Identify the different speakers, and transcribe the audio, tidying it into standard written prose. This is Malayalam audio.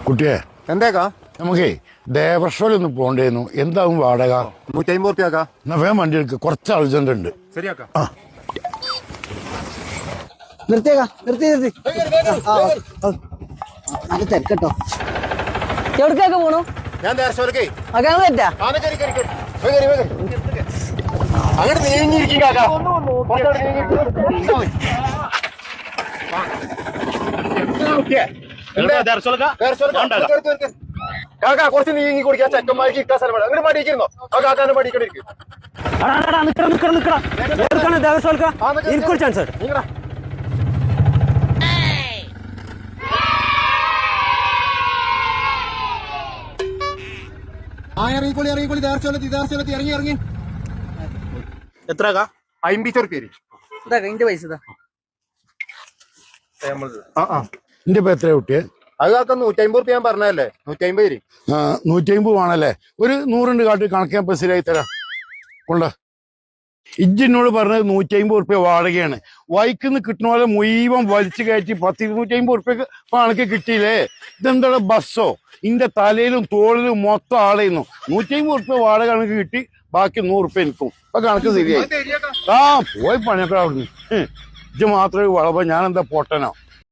Speaker 1: കുട്ടിയെ
Speaker 2: എന്തേക്കാ
Speaker 1: നമുക്കേ ദേവസ്വലൊന്ന് പോണ്ടേന്നു. എന്താവും വാടക?
Speaker 2: 150 റുപ്യക്കാ.
Speaker 1: എന്നാ വേഗം വണ്ടി എടുക്ക്, കുറച്ച് അർജന്റ് ഉണ്ട്.
Speaker 2: ശരിയാക്കാ.
Speaker 3: നിർത്തിയേക്കാ, നിർത്തി തിരക്കട്ടോ. എവിടേക്കൊക്കെ പോണു?
Speaker 2: ഞാൻ ദേവസ്വലക്കേ
Speaker 3: അതാണ് തെറ്റാ.
Speaker 2: അങ്ങോട്ട് നീങ്ങിയിരിക്കും കാക്കാ. കാക്കാ കുറച്ച് നീങ്ങി കുടിക്കാൻ ചെക്കന്മാർക്ക് ഇട്ടാ സ്ഥലമാണ്. അങ്ങോട്ട് മടിയിരിക്കുന്നോ? ആ കാക്കാനെ മടിക്കണ്ടിരിക്കും. ഇറങ്ങിക്കോളി ദേവസ്വലത്തി ഇറങ്ങി
Speaker 4: എത്ര
Speaker 2: 50 റുപ്യ.
Speaker 3: ഇന്റെ പൈസ
Speaker 1: എന്റെ ഇപ്പൊ എത്രയാ കുട്ടിയെ?
Speaker 2: അത് കാക്ക 150 റുപ്യ ഞാൻ പറഞ്ഞല്ലേ. 150.
Speaker 1: 150 ആണല്ലേ? ഒരു 100 കാട്ടി കണക്കാൻ ഇപ്പൊ ശരിയായി തരാം. കൊണ്ട ഇജ്ജിനോട് പറഞ്ഞത് 150 റുപ്യ വാടകയാണ്. വൈക്കിന്ന് കിട്ടുന്ന പോലെ മുഴുവൻ വലിച്ചു കയറ്റി 100-250 റുപ്യക്ക് കണക്ക് കിട്ടിയില്ലേ? ഇതെന്താണ് ബസ്സോ? ഇന്റെ തലയിലും തോളിലും മൊത്തം ആളെയുന്നു. 150 റുപ്യ വാടക കണക്ക് കിട്ടി, ബാക്കി 100 റുപ്യ എനിക്കും. അപ്പൊ കണക്ക് ശരിയായി. പോയി പണിയൊക്കെ അവിടുന്ന്. ഇജ്ജ് മാത്രമേ വളപ്പോ ഞാൻ എന്താ പൊട്ടനോ?